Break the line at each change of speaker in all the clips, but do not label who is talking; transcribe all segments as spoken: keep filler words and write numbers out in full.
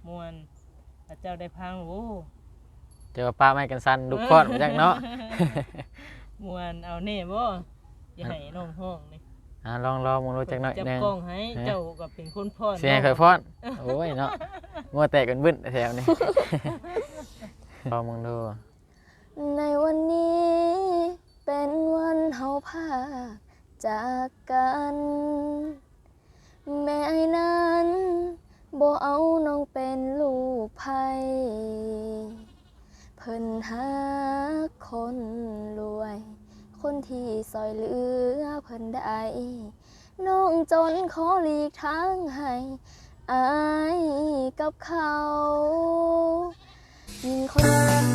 ม่วนถ้าเจ้าได้พังโอ้
เจอป้าไม้กันสั่นลูกคอดมาจักเนาะ
ม่วนเอาแน่บ่อย่าให้น้องห้องนี่
อ่าลองๆมึงรู้จักหน่อย
จับ
นึง
กล้องให้เจ้าก็เป็นคนพร
เสียเคยพรโอ้ยเนาะงัวแตกกันบึ้นแถวนี้ ลองมึงดู
ในวันนี้เป็นวันเฮาพาจากกันแม่ไอ้นั้นบ่เอาน้องเป็นลูกไผเพิ่นหาคนรวยคนที่ซอยเหลือเพิ่นได้น้องจนขอหลีกทางให้อายกับเขายิงคน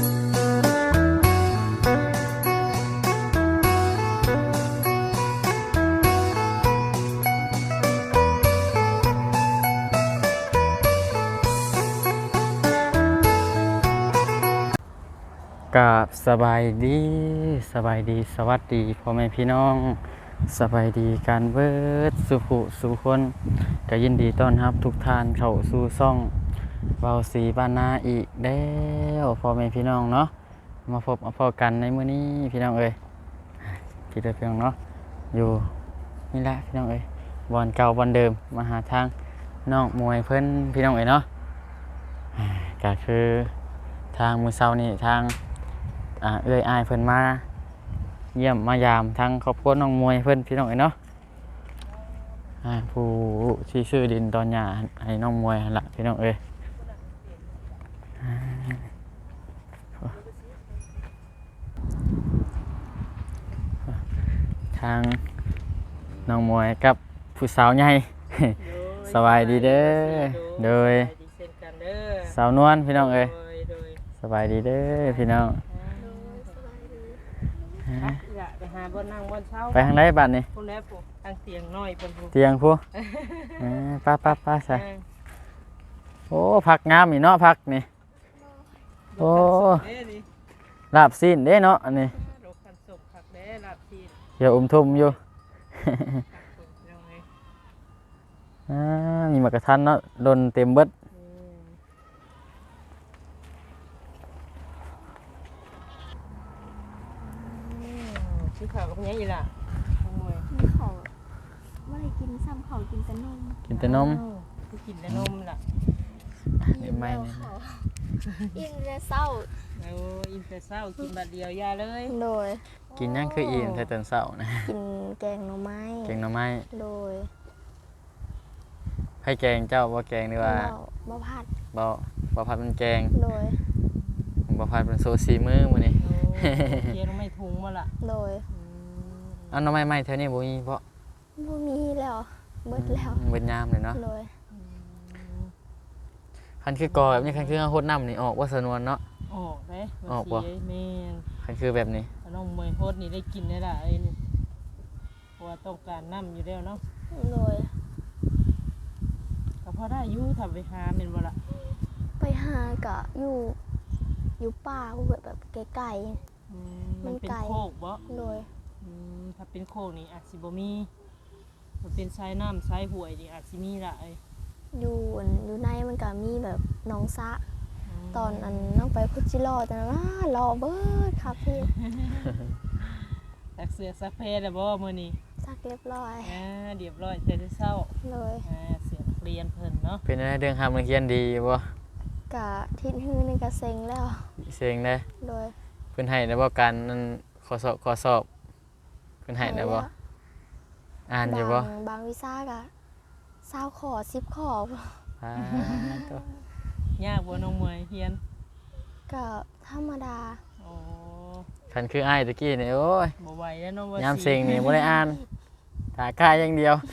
กับสบายดีสบายดีสวัสดีพ่อแม่พี่น้องสบายดีการเบิดสุขุสุคนก็ยินดีต้อนรับทุกท่านเข้าสู่ช่องเบาสีบ้านนาอีกแล้วพ่อแม่พี่น้องเนาะมาพบมาพอกันในมื้อนี้พี่น้องเอ้ยคิดได้เพียงเนาะอยู่นี่แหละพี่น้องเอ้ยบอนเก่าบอนเดิมมาหาทางน้องมวยเพิ่นพี่น้องเอ้ยเนาะก็คือทางมื้อเช้านี่ทางอ่าเอื้อยอายเพิ่นมาเยี่ยมมายามทั้งครอบครัวน้องมวยเพิ่นพี่น้องเอ้ยเนาะอ่าผู้ที่ซื้อดินตอนหญ้าให้น้องมวยหั่นล่ะพี่น้องเอ้ยทางน้องมวยกับผู้สาวใหญ่ สบายดีเด้อโดยสาวนวลพี่น้องเอ้ยสบายดีเด้อพี่น้อง
ไปหาบ่นั่งบ่เช้า
ไปทางไหนบ้านนี่
พุ่นแล้วผู้ทางเตียงน้อยเพิ่นผู้
เตียงผู้ป้าป้าป้าใส่โอ้ผักงามอีเนาะผักนี่โอ้ลาบซีนเด้เนาะอันนี้
ดอกคันสุกผักเด้ลาบซีน
เดี๋ยวอุ้มทุ่มอยู่อ่ามีหมากกระทันเนาะโดนเต็มเบิด
กินข้าวกับยังอีล่ะมวย
กินข้าวบ่ได้กินซ้ำข้าวกินแต่นม
กินแต่นม
กินแต่นมล่ะ
นี่ไม่นี่
อิ่มแต่เช้า
โอ้อิ่มแต่เช้ากินบัดเดียวยาเลย
โดย
กินยังคืออิ่มแต่ตอนเช้านะ
กินแกงหน่อไม้
แกงหน่อไม้
โดย
ให้แกงเจ้าบ่แกงดีว่า
บ่ผัด
บ่บ่ผัดเป็นแกง
โดย
บ่ผัดเป็นโซซีมื้อมื้อนี้
เกี่ยวไม่ถุงบ่ล่ะ
โดย
อันหน่อไม้ใหม่แถวนี้บ่มีเพราะ
บ่มีแล้วเบิดแล้ว
เบิดยามเลยเนาะ
โดย
คันคือกอแบบนี้คันคือโคตรน้ำนี่ออกว่าสนวนเนาะ
ออกเด้
ออกบ่
แม่น
คันคือแบบนี้
น้องมวยโคตรนี่ได้กินได้ล่ะไอ้นี่เพราะว่าต้องการน้ำอยู่แล้วเนาะ
โดย
ก็พอได้อยู่ถ้าไปหาแม่นบ่ล่ะ
ไปหาก็อยู่อยู่ป่าแบบไกลๆ
มันเป็นโคกบ่
โดย
ถ้าเป็นโคกนี่อาจสิบ่มีมันเป็นสายน้ำสายห้วยนี่อาจสิมีล่ะไอ้
อยู่อยู่ในมันก็มีแบบน้องซะตอนอันน้องไปพุจิรอแต่ว่ารอเบิดครับพี่
ตักเสือซักเพแล้วบ่มื้อนี้
ซักเรียบร้อย
อ่าเรียบร้อยแต่เช้า
เลย
อ่าเสียเรียนเพิ่นเนาะ
เป็นอะไรเรื่องทำนักเรียนดีบ่
กะทิศฮือนึงก็เซ็งแล้ว
เซ็งได้
โดย
เพิ่นให้ได้บ่การนั้นขอสอบขอสอบเพิ่นให้ได้บ่อ่านอยู่บ่
บางวิชาก็เศร้าขอสิบขอ
อ่
ายากบ่น้องมวยเรียน
ก็ธรรมดา
โอ้
คันคืออ้ายตะกี้นี่โอ้ย
บ่ไหวแล้วน้องว่าย
ามเซ็งนี่บ่ได้อ่านถ้ากายอย่างเดียว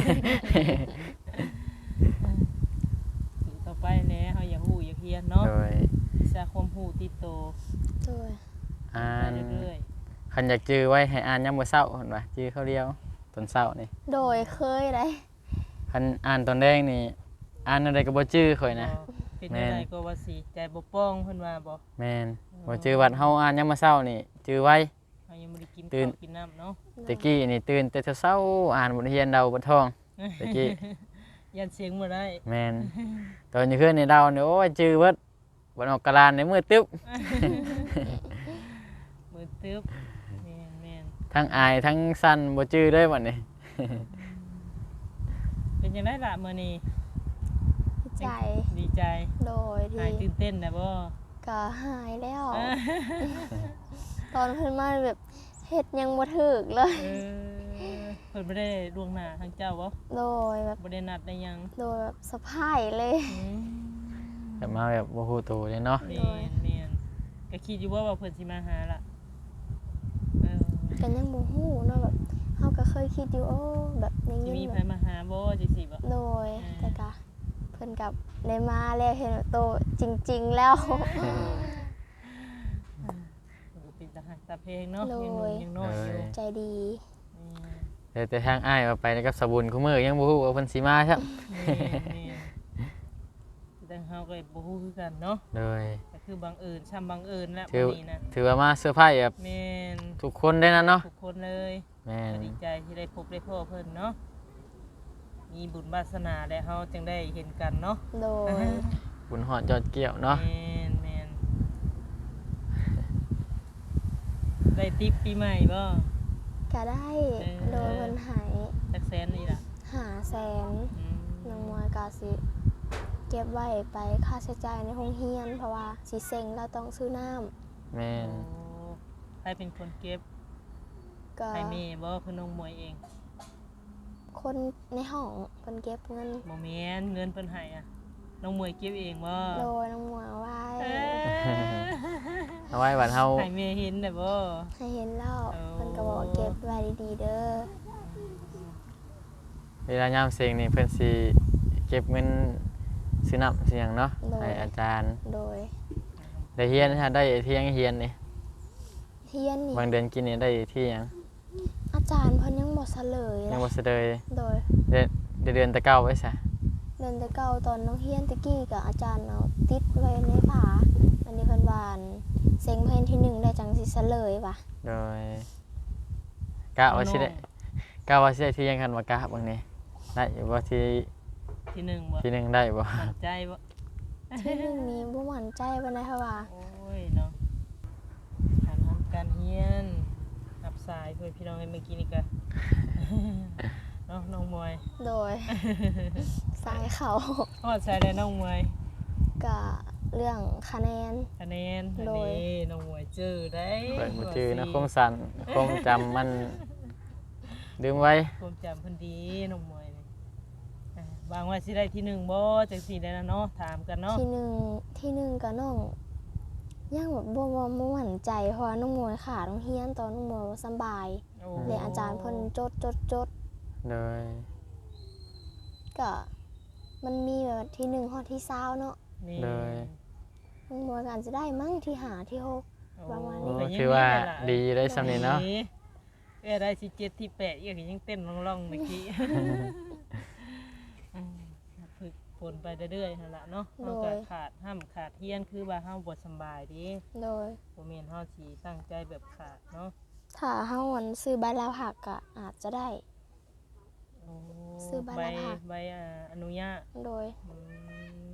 ต่อไปแหน่เฮาอยากฮู้อยากเรียนเนาะ
โดย
วิชาความรู้ติดโต
โดย
อ่านเรื่อยๆคันอยากจื้อไว้ให้อ่านยามมื้อเช้าเห็นบ่จื้อเขาเดียวตอนเช้านี่
โดยเคยได้
คันอ่านตอนแรกนี่อ่านอะไรก็บ่จื้อข่อยนะ
เป็นอะไรก็ว่าสิใจบ่ป้องเพิ่นว่าบ่
แม่นบ่จื้อวัดเฮาอ่านยามมื้อเช้านี่จื้อไว้
เฮายังบ่ได้กินข้าวกินน้ำเนาะ
ตะกี้นี่ตื่นแต่เช้าอ่านบทเรียนเดาบทท่องตะกี้
ยันเสียงบ่ได้
แม่นตอนอยู่คืนนี่เราเนี่ยโอ้ยจื้อเบิดบ่ออกกะลานในมือตึ๊บ
มือตึ๊บแม่นแม่น
ทั้งอายทั้งสั่นบ่จื้อเลยบัดนี้
เป็นจังได๋ล่ะมื้อนี้
ดีใจ
ดีใจ
โดย
หาย
ที่
ตื่นเต้นนะบ่
ก็หายแล้ว ตอนเพิ่นมาแบบเฮ็ดยังบ่ถึกเลย
เออเพิ่นบ่ได้ล่วงหน้าทางเจ้าบ่
โดยแบบ
บ่ได้นัดได้หยัง
โดยแบบสะพายเลย
อืม
แต่มาแบบบ่ฮู้ตัวเลยเนาะ
แม่นแม่นก็คิดอยู่ว่าว่าเพิ่นสิมาหาล่ะเออ
กันยังบ่ฮู้เนาะแบบเฮาก็เคยคิดอยู่โอ้แบบใน
สิ
เงิน
มี
แบ
ไผ
บ
มาหาบ่จังซี่บ่
โดย
อ่า
แต่ก็เพิ่นกับได้มาแล้วเห็นว่าโตจริง ๆ แล้ว
เป็นตาหักตาเพลงเนาะยังหนุ่มยังน้อยอยู่
ใจดี
นี่
แต่แต่ทางอ้ายว่าไปกับสบุญคุมื้อยังบ่ฮู้ว่าเพิ่นสิมาครับ
นี่นี่แต่เฮาก็บ่ฮู้คือกันเนาะ
เลย
ก็คือบังเอิญช่ำบังเอิญแล้ว
ถือ
วันนี้นะ
ถือว่ามาเซอร์ไพรส์แบบ
แม่น
ทุกคนได้นะเนาะ
ทุกคนเลย
แม่น
ก็ดีใจที่ได้พบได้พ่อเพิ่นเนาะมีบุญวาสนาและเฮาจึงได้เห็นกันเนาะ
โดย
บุญฮอดยอดเกี่ยวเนาะ
แม่นแม่นได้ติ๊บปีใหม่บ่
ก็ได้
เออ
โดยเพิ่นใหาย
จักแสนนี่ล่ะ
หาแสน
อืม
น้องมวยก็สิเก็บไว้ไปค่าใช้จ่ายในโรงเรียน เพราะว่าสิเซ็งแล้วต้องซื้อน้ำ
แม่น
โอ้ใครเป็นคนเก็บ
ก็
ใครแม่บ่คือน้องมวยเอง
คนในห้องเพิ่นเก็บเงิน
บ่แม่นเงินเพิ่นให้อ่ะน้องมวยเก็บเองบ่
โดยน้องมวยเอาไว้
เอ้ย
เอาไว้บัดเฮา
ให้แม่เห็นได้บ่
ให้เห็นแล้ว
โอ้
เพิ่นก็บอกเก็บไว้ดีๆเด้อ
เวลายามเซ็งนี่เพิ่นสิเก็บเงินซื้อน้ำซื้อหยังเนาะให้อาจารย์
โดย
ได้เฮียนฮะได้ที่ยังเฮียนนี่
เทียนนี่
บางเดือนกินนี่ได้ที่หยัง
อาจารย์เพิ่นยังบ่เฉลย
ยัง
เล
บ่
ย
เสดย
โดย
เดือนเดือนแตะเก้าไว้ซะ
เดินแต่เก่าตอนน้องเฮียนตะกี้กับอาจารย์เอาติดไว้ในผาอันนี้เพิ่นว่าอันเซ็งเพิ่นที่หนึ่งได้จังสิเฉลยว่ะ
โดยกะว่าสิได้กะว่าสิได้ที่ยังคันว่ากะบางนี้ได้อยู่บ่ที่
ที่หนึ่งบ่
ที่หนึงได้บ่
มั่นใจบ่
ที่หนึ่งนี้บ่มั่นใจปานใดค่ะว่า
โอ้ยเนาะการทำการเฮียนรับสายเพื่อนพี่น้องเมื่อกี้นี่ก็ เนาะน้องมวย
โดย สายเขา
ฮอดสายได้น้องมวย
กับเรื่องคะแนน
คะแนนอัน
โดย
นี้น้องมวยเจอได้
เปิดมือถือนะคมสันคมจำมันลืมไว้
ความจำเพิ่นดีน้องมวยนี่อ่าบางว่าสิได้ที่หนึ่งบ่จังซี่ได้นะเนาะถามกันเนาะ
ที่หนึ่งที่หนึ่งกับน้องยังแบบบ่บ่บ่มั่นใจเพราะว่าน้องมวยขาน้องเฮียนตอนน้องมวยบ่สำบาย
โอ้
เลยอาจารย์เพิ่นจดจดจด
โดย
ก็มันมีแบบที่หนึ่งฮอดที่เศร้าเนาะ
นี่
เลย
น้องมวยก็อาจจะได้มั้งที่หาที่หก ประมาณนี้
โอ้
ก็ยัง
ถือว่า
มีแหละ
ดีได้สำนี้เนาะ
เอ้ยได้สิเจ็ดที่แปดอีกยังเต้นร่องๆเมื่อกี้ อืมฝึกฝนไปเรื่อยๆนั่นล่ะเนาะเฮาก็ขาดห้ามขาดเฮียนคือว่าเฮาบ่สำบายเดิ
โดย
บ่แม่นเฮาสิตั้งใจแบบขาดเนาะ
ถ้าเฮาวันซื้อใบลาผักก็อาจจะได้
โอ้
ซื้อใบ
ใบ
ละพัก
ใบอ่าอนุญาต
โดย
อืม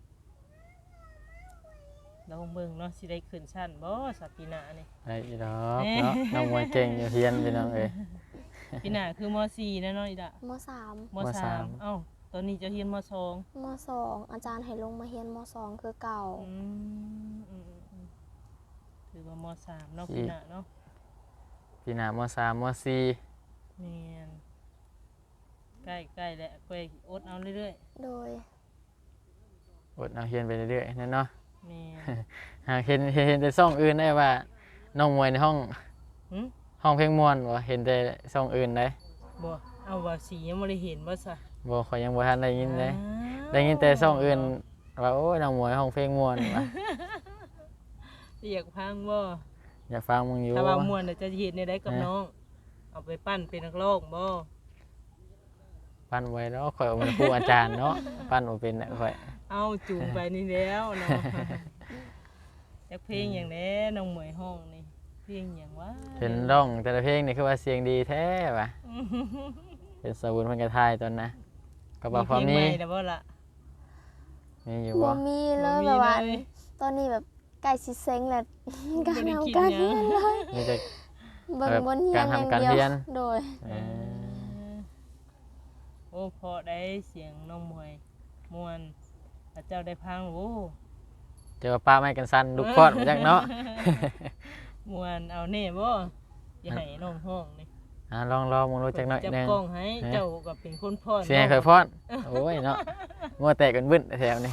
เราเบิ่งเนาะสิได้ขึ้นชั้นบ่สัปปีหน้านี่
ได้อีดอกเนาะน้องมวยเก่งอยู่เฮียนพี่น้องเอ้ย
ปีหน้าคือม สี่แล้วเนาะอีดะ
มสาม
ม
ม
สา
สาม
มเอ้าตอนนี้จะเรียนมสอง
มสองอาจารย์ให้ลงมาเรียนมสองคือเก่า
อืมอืมอืมถือว่ามสามเนาะปีหน้าเนาะ
ปีหน้ามสามมสี่
แม่นใกล้ใกล้แล้วใกล้อดเอาเรื่อย
โดย
อดเอาเฮียนไปเรื่อยๆนั่นเนาะ
ๆแม่
หากเห็นเห็นแต่ซ่องอื่นได้ว่าน้องมวยในห้อง
หึ
ห้องเพลงม่วนบ่เห็นแต่ซ่องอื่นได้
บ่เอาว่าสียังบ่ได้เห็นบ่ซะ
บ่ขอยยังบ่ทันได้ยินเลย
อ้าว
ได้ยินแต่ซ่องอื่นว่าโอ้ยน้องมวยห้องเพลงม่วนว่ะ
อยากพังบ่
อยากฟังมึงอยู่
ถ้าว่าม่วนน่ะจะเฮ็ดในได้กับน้อง เอาไปปั้นเป็นนักร้องบ่
ปั้นไว้เนาะข่อยเอาเป็นครูอาจารย์เนาะปั้นบ่เป็นน่ะข่อย
เอาจูงไปนี่แล้วเนาะ จักเพลงอย่างแน่น้องหมวยห้องนี่เพลงอย่างว่า
เห็นร้องแต่ละเพลงนี่คือว่าเสียงดีแท้ว่ะเป็นสาวบุญเพิ่นก็ทายตอนนะก็บ่พอ
เพลง
มี
ใหม่แล้วบ่ล่ะ
มีอยู่
บ่
บ่
มีเล
บ่
ย
มี
แบบว่า
เลย
ตอนนี้แบบใกล้สิเซ็งแล้ว การ
บ่ได้
ทำ
คิด
การ
หยั
เรีย
ง
นเลย
มีแต่
เบิ่ง
แบบ
บนเฮีย
กาน ร
อย่าง
ทำการ
เดียว
เรียน
โดย
เออ
โอ้พอได้เสียงน้องมวยม่วนพระเจ้าได้พังโอ้
เจอป้าไม้กันสั่นลูกพอดมาจักเนาะ
ม่วนเอาแน่บ่อย่าให้น้องห้องนี่
อ่าลองลองมึงรู้จักหน่อย
จับ
หนึง
กล้องให้เจ้าก็เป็นคนพร
เสียงเคยพอดโอ้ยเนาะงัวแตกกันบึ้นแถวนี้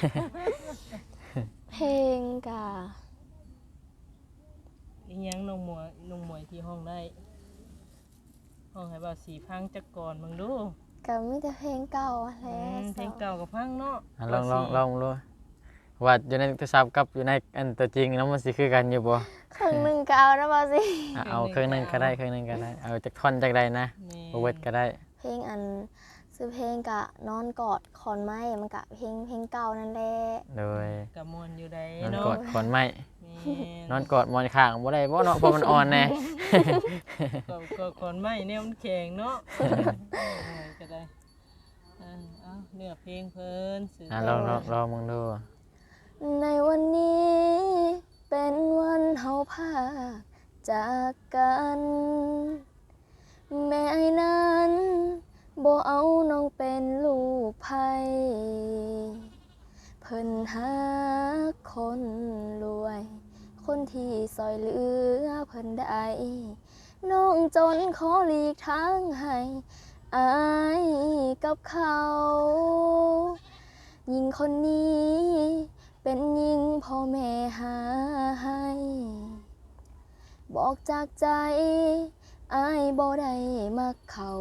เพลงกะ
อีหยังน้องมวยน้องมวยที่ห้องได้ ห้องให้บ่าวสีพังจักก่อนมึงดู
ก็มีแต่เพลงเก่าอะแห
อื
ละ
มเพลงเก่ากับพังเนาะ
อ่ะลองลองลองดูว่าอยู่ในโทรศัพท์กับอยู่ในอันตัวจริงแล้วมันสิคือกันอยู่บ่
ครึ่งหนึงก็เอานะบ่สิ
อ่ะเอาเครื่องหนึงก็ได้เครื่องหนึงก็ได้เอาจากท่อนจากใดนะ
แม่
บ่เวิดก็ได้
เพลงอันซื้อเพลงกะนอนกอดขอนไม้มันกะเพลงเพลงเก่านั่นแหละ
โดย
กับม่วนอยู่ได้
นอน
เนาะ
กอดขอนไม้
แม่
นอนกอดหมอนข้างบ่ได้บ่เนาะเพราะมันอ่อนแน่
ก็ก็ก่อนไม่แนวมันแข็งเนาะโอ้ยก็ได้อ่าเอาเนื้อเพลงเพิ่นสื่อ
อ่ะลองลองลองมึงดู
ในวันนี้เป็นวันเฮาพากจากกัน แม่นั้นบ่เอาน้องเป็นลูกไผเพิ่นหาคนรวย คนที่ซอยเหลือเพิ่นได้น้องจนขอหลีกทางให้อายกับเขาหญิงคนนี้เป็นหญิงพ่อแม่หาให้บอกจากใจอายบ่ได้มักเขา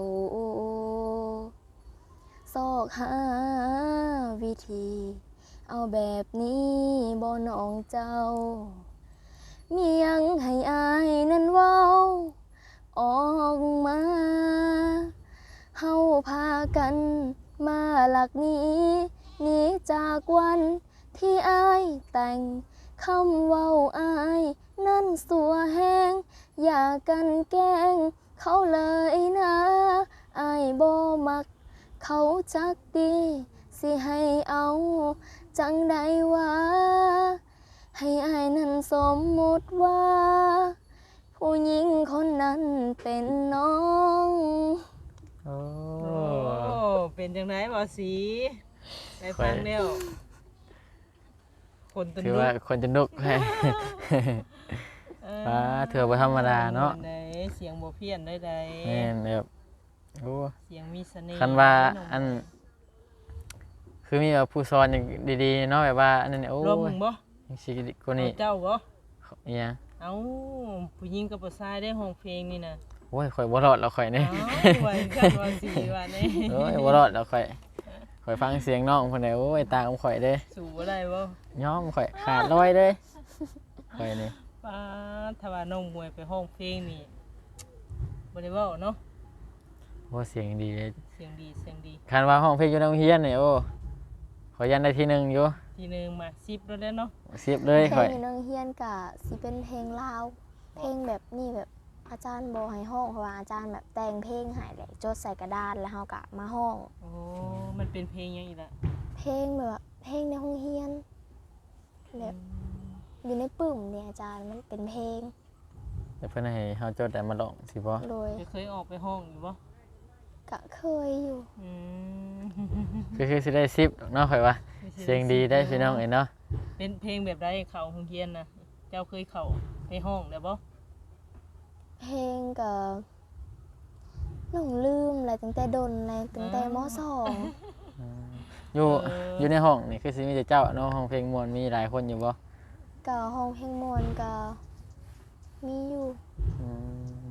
ซอกหาวิธีเอาแบบนี้บ่น้องเจ้ามียังให้อายนั้นเว้าออกมาเฮาพากันมาหลักหนี้หนีจากวันที่อายแต่งคำเว้าอายนั่นสัวแห้งอย่ากันแกล้งเขาเลยนะอายบ่มักเขาจักดีสิให้เอาจังใดว่าให้อายนั้นสมมุติว่าผู้หญิงคนนั้นเป็นน้อง
โอ้
โอ้เป็นจังไดบ่สีได้ฟังแล้วคนตะ
ถือ
นุ
ว่าคนจะนุกให้ ฟ้าเถื่อบ่ธรรมดาเนาะ
ได้เสียงบ่เพี้ยนได้ใด
แม่นแบบโอ้
เสียงมีเสน่ห์
คันว่า
น้ง
อัน คือมีแบบผู้สอนอย่างดีๆเนาะแบบว่าอันนั้นเนี่ยโอ้
รวมมึงบ่
ยสิคนนี้
เอาเจ้าบ่
อีหยัง
เอ้าผู้หญิงกับผู้ชายได้ห้องเพลงนี่น่ะ
โอ้ยข่อยบ่รอดแล้วข่อยนี่
เอ้าไว้กันว่าสิว่านี่
โอ้ยบ่รอดแล้วข่อยข่อยฟังเสียงน้องเพิ่นได้โอ้ยตาของข่อยเด้
สู่บ่ได้บ่
ยอมข่อยขาดลอยเด้ข่อยนี่
ป้าถ้าว่าน้องมวยไปห้องเพลงนี่บ่ได้เว้าเนาะ
โอ้เสียงดีเลย
เสียงดีเสียงดี
คันว่าห้องเพลงอยู่ในโรงเรียนนี่โอ้ข่อยยันได้ที่หนึ่งอยู่
ทีหนึงมาสิบแล้วเด้อเนาะ
สิบเลย
เพล
ข่อย
งอยู่ในโรงเรียนกะสิเป็นเพลงลาว เพลงแบบนี้แบบอาจารย์บ่ให้ห้องเพราะว่าอาจารย์แบบแต่งเพลงให้แหละจดใส่กระดานแล้วเฮากะมาห้อง
โอ้มันเป็นเพลงหยังอีกล่ะ
เพลงแบบว่าเพลงในโรงเรียนแบบอยู่ในปึ้มเนี่ยอาจารย์มันเป็นเพลง
เดี๋ยวเพิ่นให้เฮาจดแต่มาลองสิบ่
โดย
เคยออกไปห้องอยู่บ่
กะเคยอยู่
อืม
คือคือสิได้สิบเนาะข่อยว่าเสียงดีได้พี่น้องเอ้ยเนาะ
เป็นเพลงแบบใดเข้าโรงเรียนน่ะเจ้าเคยเข้าไปห้องแล้วบ่
เพลงกับน้องลืมอะไรตั้งแต่ดนเลยตั้งแต่มสอง
อยู่อยู่ในห้องนี่คือสิมีแต่เจ้าเนาะห้องเพลงม่วนมีหลายคนอยู่บ่
กะห้องเพลงมวนกะมีอยู่
อืม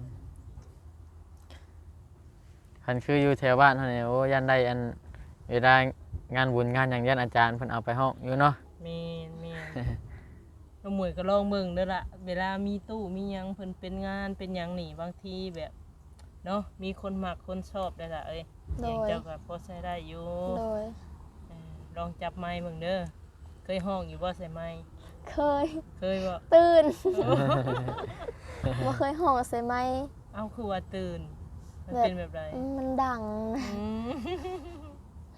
คันคืออยู่แถวบ้านเฮานี่โอ้ยันได้อันเวลางานบุญงานหยังยันอาจารย์เพิ่นเอาไปห้องอยู่เนาะ
แม่นแม่น น้องมวยก็ลองเบิ่งเด้อล่ะเวลามีตู้มีหยังเพิ่นเป็นงานเป็นหยังนี่บางทีแบบเนาะมีคนมักคนชอบได้อล่ะเอ้ย
โด
เสียง
ย
เจ้าก็พอใช้ได้อยู่
โดย
เออลองจับไมค์เบิ่งเด้อเคยห้องอยู่บ่ใส่ไมค์
เคย
เคยบ่
ตื่น ว่าเคยห้องใส่ไหม
เอ้าคือว่าตื่นมัน
แบบ
เป็นแบบไร
มันดัง
อืม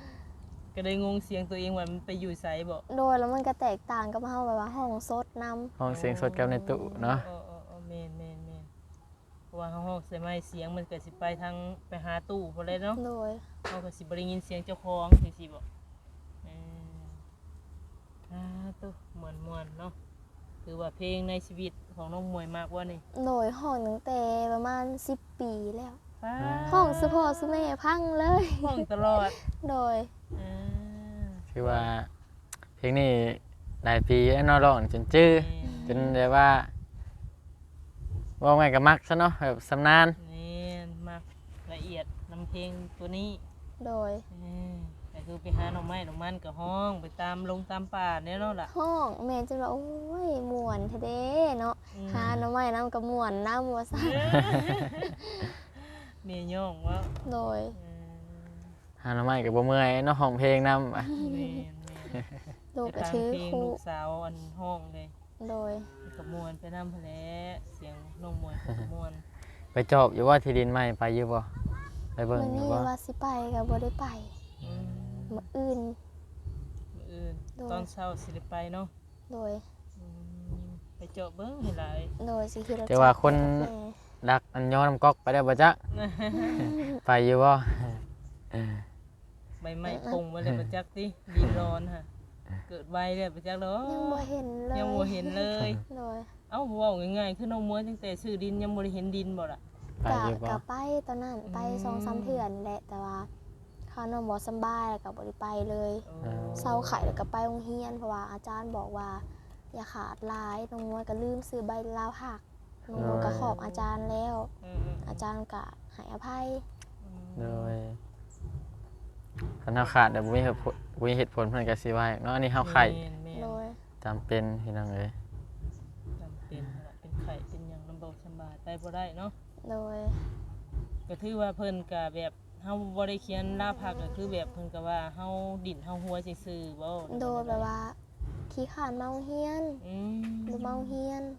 ก็ได้งงเสียงตัวเองว่ามันไปอยู่ไสบ่
โดยแล้วมันก็แตกต่างกับเฮาแบบว่าห้องสดนำ
ห้องเสียงสดกับในตู้เนาะ
ออเออเออแม่นแม่นแม่นเพราะว่าเฮาฮ้องใส่ไม้เสียงมันก็สิไปทางไปหาตู้พุ่นเลยเนาะ
โดย
เฮาก็สิบ่ได้ยินเสียงเจ้าของจังซี่บ่เอออ่าตู้ม่วนๆเนาะถือว่าเพลงในชีวิตของน้องมวยมากว่านี่
โดยห้องตั้งแต่ประมาณสิบปีแล้ว
ฟ้า
ห้องสุพ่อสุแม่พังเลย
ห้องตลอด
โดย
อ่า
คือว่าเพลงนี้หลายปีแล้วเนาะร้องจนจื้อจนแบบว่าว่าไงก็มักซะเนาะแบบสำนาน
นี่มากละเอียดนำเพลงตัวนี้
โดย
เออแต่คือไปหาหน่อไม้หน่อมันกับห้องไปตามลงตามป่าเนี่ยเนาะล่ะ
ห้องแม่จะว่าโอ้ยม่วนแท้เด้เนาะ
อืม
หาหน่อไม้น้ำกับม่วนน้ำว่าซั่น
เมียย่องว่า
โดย
เออ
หาหน่อไม้ก็บ่เมื่อยเนาะห้องเพลงนำ
แม่นแม่น
ลูก
ไป
ก็
ทาง
ถือ
เพลง
คู่
ลูกสาวอันห้องเลย
โดย
กับมวนไปน้ำพะแลเสียงน้องมวยกับมวน
ไปจอบอยู่ว่าที่ดินใหม่ไปอยู่บ่ไปเบิ่ง
มื้อ
อยู่
นี้
บ่
ว่าสิไปก็บ่ได้ไป
อืม
มื้ออื่น
มื้ออื่น
โดย
ตอนเช้าสิได้ไปเนาะ
โดย
อืมไปเจาะเบิ้งให้หลาย
โดยสิขี่รถ
แต่ว่าคน
จักรแม่
ดักอันย้อนน้ำก๊อกไปได้บ่จ๊ะ ไปอยู่บ่
ใบไม้ปงมาเลยประจักษ์ติดินร้อนค่ะเกิดไวเลยประจักษ์เนาะ
ยังบ่เห็นเลย
ยังบ่เห็นเลย
โดย
เอ้าเว้าง่ายๆคือน้องมวยตั้งแต่ซื้อดินยังบ่ได้เห็นดินบ่ล่ะ
ไป
กะ
อยู่บ่
กะไปตอนนั้นไป
อืม
สองสามเทื่อนี่แหละแต่ว่าเขาน้องบ่สำบายแล้วก็บ่ได้ไปเลย
โอ้
เศร้าไข้แล้วก็ไปโรงเรียนเพราะว่าอาจารย์บอกว่า อย่าขาดหลายน้องมวยก็ลืมซื้อใบลาวหักน้องมวยก็ขอบอาจารย์แล้ว
อืมๆ
อาจารย์ก็ให้อภัย
โดยคันเฮาขาดเดี๋ยวบ่มีเหตุผลบ่มีเหตุผลเพิ่นก็สิว่าเนาะอันนี้เฮาไข้
แม่นแม่น
โดย
จำเป็นพี่น้องเอ้ย
จำเป็นนั่นล่ะเป็นไข้เป็นหยังลำบากสำบายไปบ่ได้เนาะ
โดย
ก็ถือว่าเพิ่นก็แบบเฮาบ่ได้เขียนลาพักก็คือแบบเพิ่นก็ว่าเฮาดินเฮาหัวซื่อๆบ่
โดยแบบว่าขี้ขานเมาโรงเฮียน
อืม
หรือเมาโรงเฮียน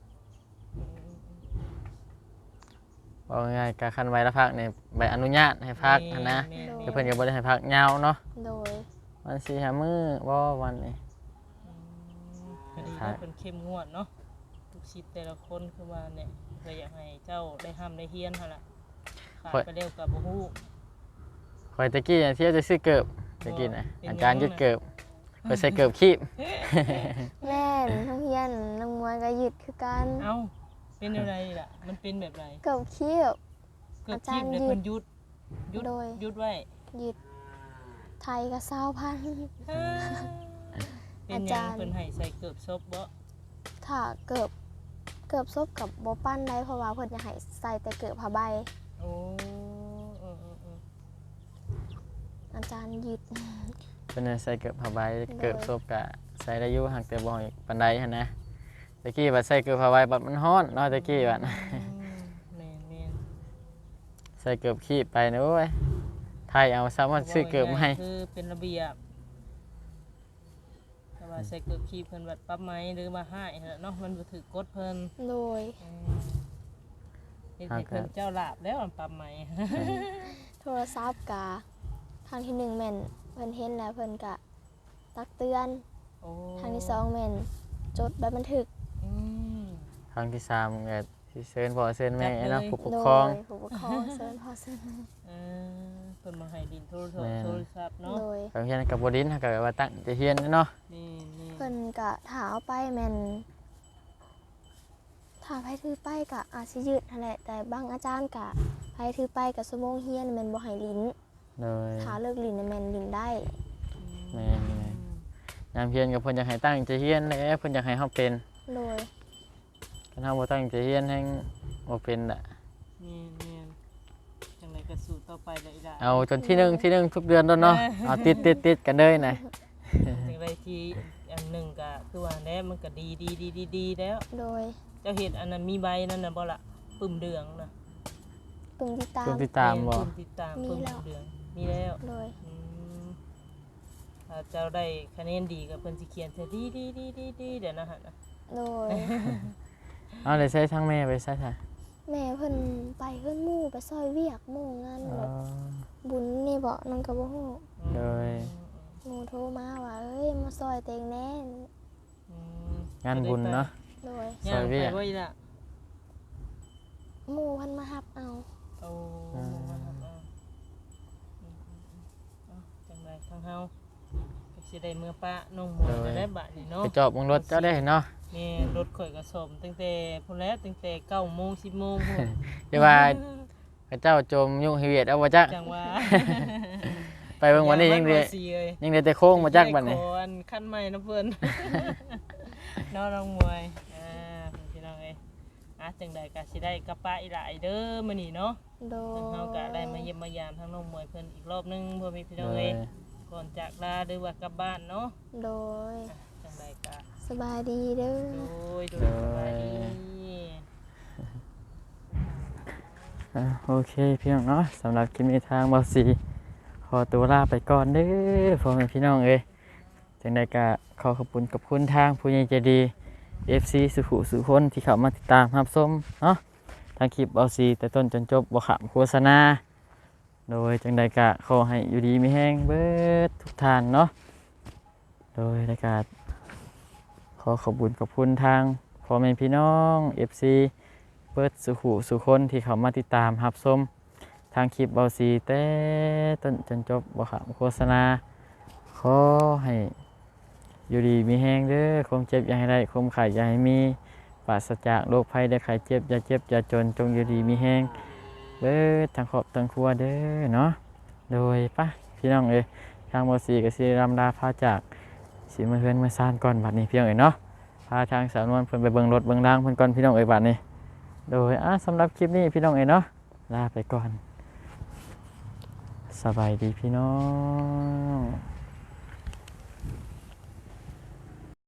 ว่าง่ายๆก็คันไว้ละพักนี่ใบอนุญาตให้พักหั้นนะ
แม่ๆ
คือเพิ่นก็บ่ได้ให้พักยาวเนาะ
โดย
วันสี่ห้ามื้อบ่วันนี้
อืมคดีก็เป็นเข้มงวดเนาะทุกชิดแต่ละคนคือว่าเนี่ยก็อยากให้เจ้าได้ห้ามได้เฮียนหั่นล่ะขาดไปเร็วกับบ่ฮู้
ข่อยตะกี้เที่ยวจะซื้อเกิบตะกี้น่ะ
เป็น
อาจารย์
ยังไง
ยึดเกิบข่อยใส่เกิบคีบ
แม่นโรงเรียนน้องมวยก็หยุดคือกัน
เอ้าเป็นอะไรล่ะมันเป็นแบบไร
เกิบขี้บ
เกิด
อาจา
ชี
ร
พ
ย์
เลย
หยุด
เพิ่นหยุดหยุด
โดย
หยุดไว้
หยุดไทยก็เศร้าพัน
เป็นห
อา
ยั
จาง รย์
เพิ่นให้ใส่เกือบซบบ่
ถ้าเกิบเกิบซบกับโบปั้นได้เพราะว่าเพิ่นจะให้ใส่แต่เกิบผ้าใบ
โอ้เออเออเออ
อาจารย์หยุด
เพิ่นให้ใส่เกิบผ้าใบเกิบซบก็ใส่ได้อยู่หักแต่บ่อีกปานใดหั่นนะตะกี้บัดใส่เกิบผ้าใบบัดมันร้อนเนาะตะกี้บัด
อืมแม่นแม่น
ใส่เกิบคีบไปนะโอ้ยไทยเอาซ้ำว่าซื้อเกิบมาให้
คือเป็นระเบียบแต่ว่าใส่เกือบขี้เพิ่นวัดปรับไหมหรือว่าให้นั่นแหละเนาะมันบ่ถือกฎเพิ่น
โดย
อืมเฮ็ดให้เพิ่นเจ้าลาบแล้วอันปรับไหม
โทรศัพท์กะทางที่หนึ่งแม่นเพิ่นเห็นแล้วเพิ่นกะตักเตือน
โอ้
ทางที่สองแม่นจดใบบันทึก
อืม
ครั้งที่สามก็สิเชิญพ่อเชิญแม่
จัดเลย
เนาะผู้ปก
โด
ครอง
ยผู้ปกครองเซินพ่อเซิน
เออเพิ่นมาให้ดินโทรศัพ
แม่
ท์
น
โทรศัพท์เนาะ
โดย
บางทีกับบดินถ้าเกิดว่าตั้งใจะเฮียนเนาะ
นี่นี่
เพิ่นกะถาเอาไปแม่นถ้าไผถือไปกะอาจสิยืดนั่นแหละแต่บางอาจารย์กะไผถือไปกะชั่วโมงเฮียนแม่นบ่ให้ลิ้น
เลย
ถ้าเลิกลิ้นน่ะแม่นลิ้นได้
แม่นยามเฮียนกับเพิ่นอยากให้ตั้งใจเฮียนแหละเพิ่นอยากให้เฮาเป็น
โดย
คันเฮาบ่ตั้งใจเฮียนแฮงบ่เป็นล่ะ
นี่นี่จังไดก็สู้ต่อไปได้อีหล่ะ
เอาจนที่หนึ่งที่หนึ่งทุกเดือนโดนเนาะเอาติดติดติดกันเลยนะ
จังไดที่อันหนึงก็คือว่าแล้วมันก็ดีดีดีดีดีแล้ว
โดย
เจ้าเฮ็ดอันนั้นมีใบนั่นน่ะบ่ล่ะปึ้มเดืองน่ะ
ปึงติดตาม
เพิ่นติดตามบ่
ปึ้มติดตาม
มี
ปึ้ม
แล้ว
เดืองมีแล้ว
โดย
อืมถ้าเจ้าได้คะแนนดีก็เพิ่นสิเขียนใส่ดีดีดีดีดีเดี๋ยวนะฮะนะ
โดย
เอาเลยใช้ทั้งแม่ไปใช้ค่ะ
แม่เพิ่นไปเพิ่นหมู่ไปซอยเวียกหมู่งาน
อ๋อ
แบบบุญนี่บ่นั่นก็บ่ฮู้
โดย
อ
หมู่โทรมาว่าเอ้ยมาซอยเต็งแน่
อืม
งานบุญเนาะ
โดย
ย่าง
ซอยเวี
ไป
ย
ไว้ล่ะ
หมู่เพันมาหับเอา
เอา
อ่า
หมู่มาครับเอาอืมๆๆเอาจังไดทางเฮาก็สิได้เมื่อปะน้องหมวยจะได้บาดนี่เนาะ
ไปจอบเบิ่งรถเจ้าได้เนาะ
แม่รถข่อยก็สมตั้งแต่พุ่นแล้วตั้งแต่เก้าโมงสิบโมงพุ่น
เดี๋ยวว่าพระเจ้าจมยุ่งเฮียดเอาบ่จัก
จังว่า
ไปเบิ่งวันนี้ยังได้
อามาสิเอ้ย
ยังได้แต่โค้งบ่จักบัดนี้
ขออันขั้นใหม่นะเพิ่น น้องน้องมวยอ่าเพิ่นพี่น้องเอ้ยอ่ะจังใดก็สิได้กลับป้าอีหลายเด้อมื้อนี้เนาะ
โด
ทาง
ย
เฮาก็ได้มาเยี่ยมมายามทางน้องมวยเพิ่นอีกรอบหนึงเพื่อมีพี่น้อง
โด
เอ้
ย
ยก่อนจากลาหรือว่ากลับบ้านเนาะ
โดย
อ่ะจังใดก็
สบายดีเด้อ
โดยโดยสบายดี
อ่ะโอเคพี่น้องเนาะสำหรับคลิปนี้ทางบอสีขอตัวลาไปก่อนเด้อพ่อแม่พี่น้องเอ้ยจังใดก็ขอขอบคุณกับคุณทางผู้ใหญ่ใจดี เอฟ ซี สุขุสุคนที่เข้ามาติดตามรับชมเนาะทางคลิปบอสีแต่ต้นจนจบบ่ขำโฆษณาโดยจังใดก็ขอให้อยู่ดีมีแห้งเบิดทุกท่านเนาะโดยรายการขอขอบคุณกับคุณทางพ่อแม่พี่น้อง เอฟ ซี เปิดสุขุสุคนที่เขามาติดตามรับชมทางคลิปเบาซีแต่ต้นจนจบบ่ขำโฆษณาขอให้อยู่ดีมีแห้งเด้อความเจ็บอย่าให้ได้ความไข่อย่าให้มีปราศจากโรคภัยได้ไข้เจ็บอย่าเจ็บอย่าจนจงอยู่ดีมีแห้งเบิดทางครอบทางครัวเด้อเนาะโดยปะพี่น้องเอ้ยทางเบาซีกับซีรำลาพาจากสีมือเฮือนมือซานก่อนบัดนี้พี่น้องเอ้ยเนาะพาทางสาวนวลเพิ่นไปเบิ่งรถเบิ่งร่างเพิ่นก่อนพี่น้องเอ้ยบัดนี้ โดยอ่ะสำหรับคลิปนี้พี่น้องเอ๋ยเนาะลาไปก่อนสบายดีพี่น้อง